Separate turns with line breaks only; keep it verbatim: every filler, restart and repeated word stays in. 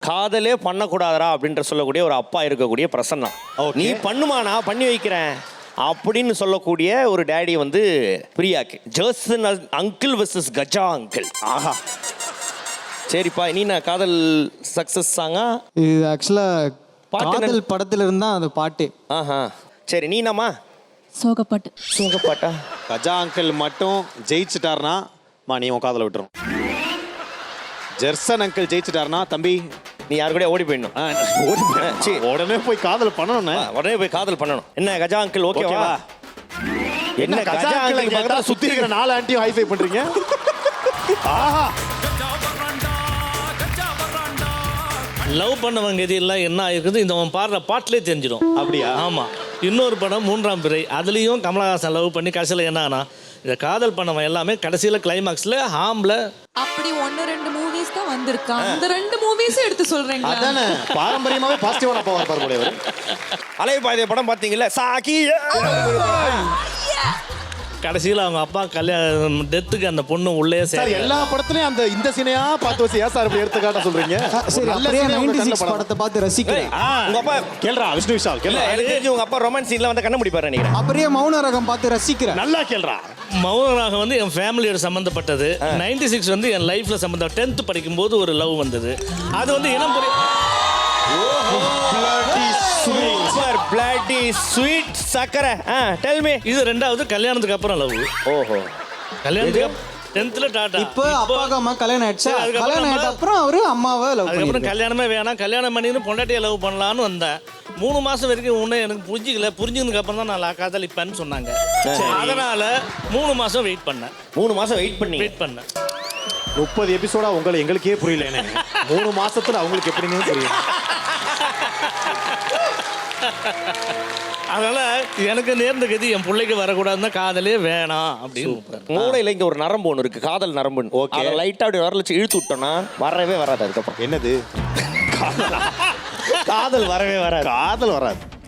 காதலே பண்ணக்கூடாதரா அப்படின்ற சொல்லக்கூடிய ஒரு அப்பா இருக்கக்கூடிய பிரசன்னா. நீ பண்ணுமா, நான் பண்ணி வைக்கிறேன் அப்படின்னு சொல்லக்கூடிய ஒரு டேடி வந்து பிரியாக்கு. Jerson uncle versus Gaja uncle. ஆஹா, சரிப்பா. நீ நான் காதல் சக்சஸ் சாங்கா?
இது ஆக்சுவலாக காதல் படத்துல இருந்தா அந்த பாட்டு.
ஆஹா, சரி. நீ நாமா
சோகப்பாட்டு.
சோகப்பாட்டா?
கஜா அங்கிள் மட்டும் ஜெயிச்சுட்டார்னா மா நீ உன் காதலை விட்டுரும். ஜெர்சன் அங்கிள் ஜெயிச்சுட்டார்னா தம்பி
நீ யாரு கூட ஓடி போயிடணும்.
ஓடி சரி உடனே போய் காதல் பண்ணணும்.
உடனே போய் காதல் பண்ணணும். என்ன கஜா அங்கிள் ஓகேவா?
என்ன கஜா அங்கிள் பக்கத்துல சுத்தி இருக்கிற நாலு ஆண்டியும் ஹைஃபை பண்றீங்க? ஆஹா,
லவ் பண்ணவங்க இது எல்லாம் என்ன ஆயிருக்குது இந்த அவன் பாடுற பாட்டிலே தெரிஞ்சிடும்.
அப்படியா?
ஆமாம். இன்னொரு படம் மூன்றாம் பிறை, அதுலேயும் கமலஹாசன் லவ் பண்ணி கடைசியில் என்ன ஆனா இந்த காதல் பண்ணவன் எல்லாமே கடைசியில் கிளைமாக்ஸில் ஹாம்ல
அப்படி ஒன்னு ரெண்டு மூவிஸ் தான் வந்திருக்கான். அந்த ரெண்டு மூவிஸும் எடுத்து சொல்றீங்க.
அதானே பாரம்பரியமாவே பாசிட்டிவான அப்பா இருப்பார் போல இவர்.
அலைபாயுதே படம் பார்த்தீங்கல்ல, சாகி
கடைசியில் அவங்க அப்பா கல்யாணம் டெத்துக்கு அந்த பொண்ணு உள்ளே
சார்
சரி
எல்லா படத்துலயும் அந்த இந்த சீனையா பார்த்து வச்சு ஏன் சார் இப்படி எடுத்துக்காட்ட சொல்றீங்க?
சரி,
நல்ல
அப்படியே
scene உங்க
தொண்ணூற்று
கண்ணுல
ஆறு படத்தை பார்த்து ரசிக்கிறேன்.
உங்க அப்பா
கேள்றா விஷ்ணு விஷால்
இல்ல,
கேள்றா.
எனக்கு தெரிஞ்சு உங்க அப்பா ரொமான்ஸ் சீன்ல வந்து கண்ண முடிப்பாரு நினைக்கிறேன்.
அப்படியே மௌன ரகம் பார்த்து ரசிக்கிறேன்.
நல்லா கேள்றா.
மௌனராக வந்து என் ஃபேமிலியோட சம்மந்தப்பட்டது. நைன்டி சிக்ஸ் வந்து என் லைஃப்ல சம்மந்தம். டென்த் படிக்கும்போது ஒரு லவ் வந்தது. அது வந்து இனம் புரிய
சூப்பர் பிளாட்டி ஸ்வீட் சக்கரை. ஆ டெல் மீ.
இது ரெண்டாவது கல்யாணத்துக்கு அப்புறம் லவ்.
ஓஹோ,
கல்யாணத்துக்கு டென்த்ல டாட்டா.
இப்போ அப்பாவுக்கு அம்மா கல்யாணம் ஆயிடுச்சு.
சரி, அதுக்கப்புறம்
கல்யாணம் ஆயிட்ட அப்புறம் அவரு அம்மாவை லவ்
அதுக்கப்புறம்
பண்ணிருக்காரு.
கல்யாணமே வேணாம், கல்யாணம் பண்ணின்னு பொண்டாட்டியை லவ் பண்ணலான்னு வந்தேன். மூணு மாசம் வரைக்கும் உன்னை எனக்கு புரிஞ்சிக்கல. புரிஞ்சதுக்கு அப்புறம் தான் நான் காதலிப்பேன்னு சொன்னாங்க. அதனால மூணு மாசம் வெயிட் பண்ணேன்.
மூணு மாசம் வெயிட் பண்ணி
வெயிட் பண்ணேன்.
முப்பது எபிசோடா உங்களுக்கு எங்களுக்கே புரியல. எனக்கு மூணு மாசத்துல அவங்களுக்கு எப்படின்னு புரியும்.
அதனால எனக்கு நேர்ந்த கதி என் பிள்ளைக்கு வரக்கூடாதுன்னா காதலே வேணாம் அப்படின்னு.
மூளையில இங்க ஒரு நரம்பு ஒன்று இருக்கு, காதல் நரம்புன்னு. ஓகே, அதை லைட்டா அப்படி வரல வச்சு இழுத்து விட்டோம்னா வரவே வராது. அதுக்கப்புறம்
என்னது?
காதல் வரவே வராது.
காதல் வராது.